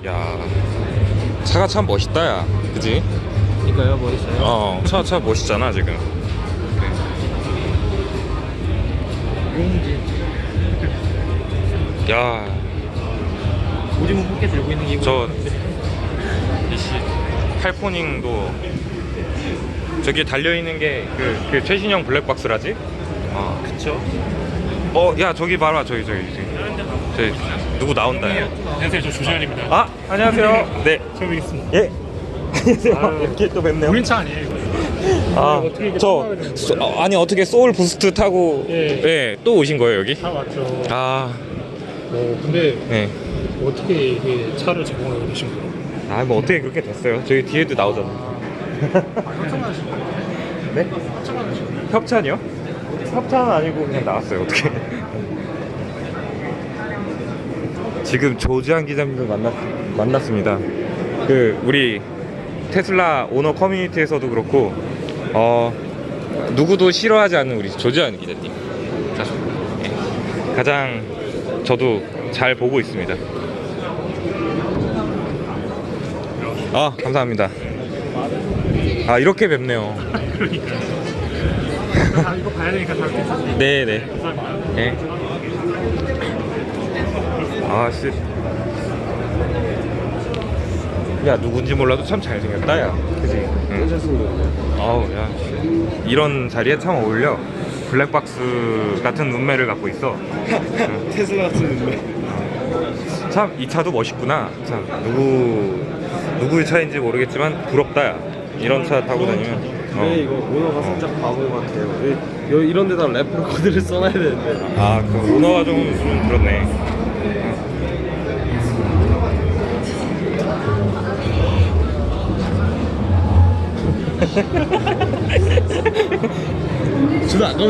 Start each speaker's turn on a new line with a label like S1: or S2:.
S1: 야, 차가 참 멋있다, 야. 그지?
S2: 이거요? 뭐 있어요?
S1: 차 멋있잖아, 지금.
S2: 용지.
S1: 야,
S2: 오징어 포켓 들고 있는 게 이거.
S1: 저 이씨 팔포닝도 저기에 달려있는 게 그 최신형 블랙박스라지?
S2: 그쵸?
S1: 야, 저기 봐라. 저기 누구 나온다, 야.
S2: 안녕하세요, 저 조재현입니다.
S1: 아, 안녕하세요. 네.
S2: 처음 뵙겠습니다.
S1: 예. 안녕하세요.
S2: 아유.
S1: 이렇게 또 뵙네요.
S2: 우린 차 아니에요, 이거? 어떻게 이렇게 타고 되는
S1: 아니 어떻게 소울 부스트 타고
S2: 예.
S1: 또 오신 거예요, 여기?
S2: 차 맞죠.
S1: 아,
S2: 근데
S1: 네.
S2: 어떻게 이게 차를 제공하게 되신 거예요?
S1: 뭐 어떻게 그렇게 됐어요? 저기 뒤에도 나오잖아.
S2: 협찬하신 거예요?
S1: 네?
S2: 협찬하신 거예요?
S1: 협찬이요? 협찬은 아니고 그냥 나왔어요. 어떻게? 지금 조지한 기자님을 만났습니다. 그 우리 테슬라 오너 커뮤니티에서도 그렇고 누구도 싫어하지 않는 우리 조지한 기자님. 가장 저도 잘 보고 있습니다. 감사합니다. 이렇게 뵙네요.
S2: 그러니까요. 이거 봐야 되니까 다 괜찮습니다.
S1: 네네.
S2: 감사합니다.
S1: 네. 씨. 야, 누군지 몰라도 참 잘생겼다, 야. 그지? 응. 야, 씨. 이런 자리에 참 어울려. 블랙박스 같은 눈매를 갖고 있어. 응.
S2: 테슬라 같은 눈매.
S1: 참, 이 차도 멋있구나. 참, 누구의 차인지 모르겠지만 부럽다, 야. 이런 차 타고 다니면.
S3: 네, 이거 오너가 살짝 바보 같아요. 이런 데다 래퍼 코드를 써놔야 되는데.
S1: 그 오너가 좀 그렇네.
S3: 저도 아까